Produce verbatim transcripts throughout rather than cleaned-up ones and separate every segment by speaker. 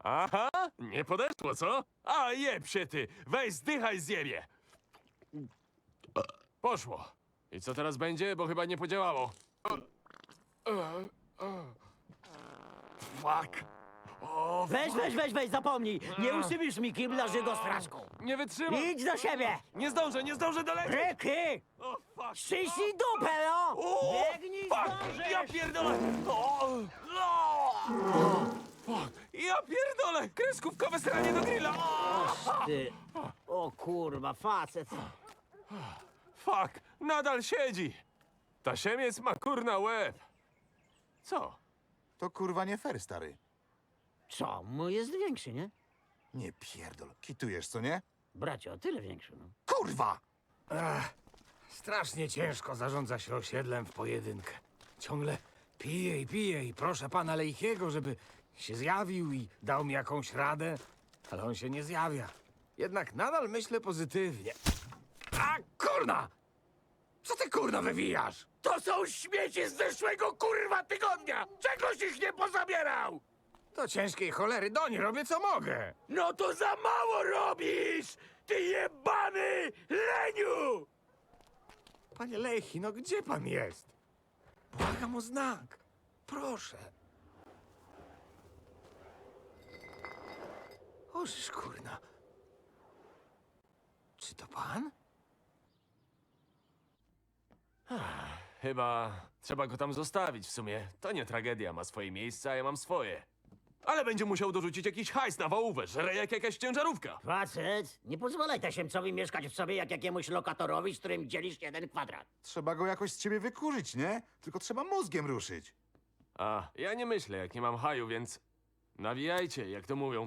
Speaker 1: Aha, nie podeszło, co? A jeb się ty, weź zdychaj zjebie. Poszło. I co teraz będzie, bo chyba nie podziałało. Fuck. O,
Speaker 2: Weź, weź, weź, weź, zapomnij! Nie usypisz mi kibla żygo strażką!
Speaker 1: nie wytrzymam.
Speaker 2: Idź do siebie!
Speaker 1: Nie zdążę, nie zdążę dolecieć.
Speaker 2: Ryki!
Speaker 1: O, fuck.
Speaker 2: Ściśnij dupę, no!
Speaker 1: O,
Speaker 2: Biegnij,
Speaker 1: fuck.
Speaker 2: zdążysz!
Speaker 1: Ja pierdolę. O, o, fuck. Ja pierdolę. Kreskówkowe sranie do grilla. O,
Speaker 2: Ty. O kurwa, facet.
Speaker 1: fuck, nadal siedzi. Ta siemiec ma kurna łeb. Co?
Speaker 3: To kurwa nie fair, stary.
Speaker 2: Co? Mój jest większy, nie?
Speaker 3: Nie pierdol. Kitujesz, co nie?
Speaker 2: Bracie, o tyle większy, no.
Speaker 3: Kurwa!
Speaker 4: Ach, strasznie ciężko zarządza się osiedlem w pojedynkę. Ciągle piję i piję i proszę pana Lejchiego, żeby się zjawił i dał mi jakąś radę, ale on się nie zjawia. Jednak nadal myślę pozytywnie. A kurna! Co ty kurna wywijasz? To są śmieci z zeszłego kurwa tygodnia! Czegoś ich nie pozabierał! Do ciężkiej cholery doń robię co mogę. No to za mało robisz! Ty jebany leniu! Panie Lechi, no gdzie pan jest? Błagam o znak. Proszę. Ożysz kurna. Czy to pan?
Speaker 1: Chyba trzeba go tam zostawić w sumie. To nie tragedia, ma swoje miejsce, a ja mam swoje. Ale będzie musiał dorzucić jakiś hajs na wałówę, żre jak jakaś ciężarówka.
Speaker 2: Facet, nie pozwalaj tasiemcowi mieszkać w sobie jak jakiemuś lokatorowi, z którym dzielisz jeden kwadrat.
Speaker 3: Trzeba go jakoś z ciebie wykurzyć, nie? Tylko trzeba mózgiem ruszyć.
Speaker 1: A, ja nie myślę, jak nie mam haju, więc nawijajcie, jak to mówią.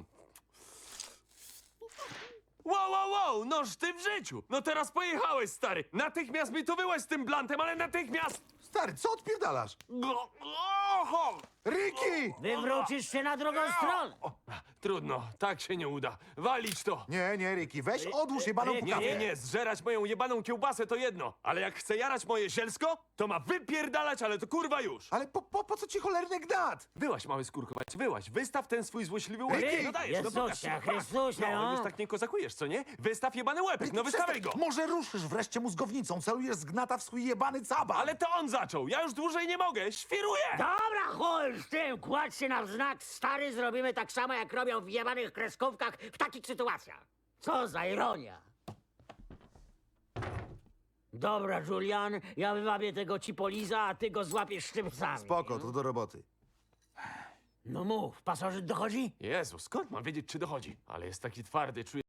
Speaker 1: Wow, wow, wow, noż ty w życiu! No teraz pojechałeś, stary! Natychmiast mi tu wyłaź z tym blantem, ale natychmiast!
Speaker 3: Stary, co odpierdalasz?
Speaker 1: Go- Oho!
Speaker 3: Ricky!
Speaker 2: Wywrócisz się na drugą stronę.
Speaker 1: O, trudno, tak się nie uda. Walić to!
Speaker 3: Nie, nie, Ricky, weź odłóż jebaną
Speaker 2: Ricky,
Speaker 1: Nie,
Speaker 3: pukawkę.
Speaker 1: nie, nie, zżerać moją jebaną kiełbasę to jedno, ale jak chce jarać moje zielsko, to ma wypierdalać, ale to kurwa już!
Speaker 3: Ale po, po, po co ci cholerny gnat?
Speaker 1: Wyłaź, mały skórkować, wyłaź, wystaw ten swój złośliwy łeb.
Speaker 2: Ricky,
Speaker 1: No dajesz, no pokaż.
Speaker 2: Jezusie, Chrystusie,
Speaker 1: No,
Speaker 2: no.
Speaker 1: już tak nie kozakujesz, co nie? Wystaw jebany łepek, no wystawiaj go!
Speaker 3: Może ruszysz wreszcie mózgownicą, celujesz z gnata w swój jebany caban.
Speaker 1: Ale to on zaczął, ja już dłużej nie mogę, świruję!
Speaker 2: Dobra, chuj z tym, kładź się na znak, stary, zrobimy tak samo, jak robią w jebanych kreskówkach w takich sytuacjach. Co za ironia. Dobra, Julian, ja wywabię tego cipoliza, a ty go złapiesz szczypcami.
Speaker 3: Spoko, to do roboty.
Speaker 2: No mów, pasożyt dochodzi?
Speaker 1: Jezu, skąd mam wiedzieć, czy dochodzi? Ale jest taki twardy, czuję.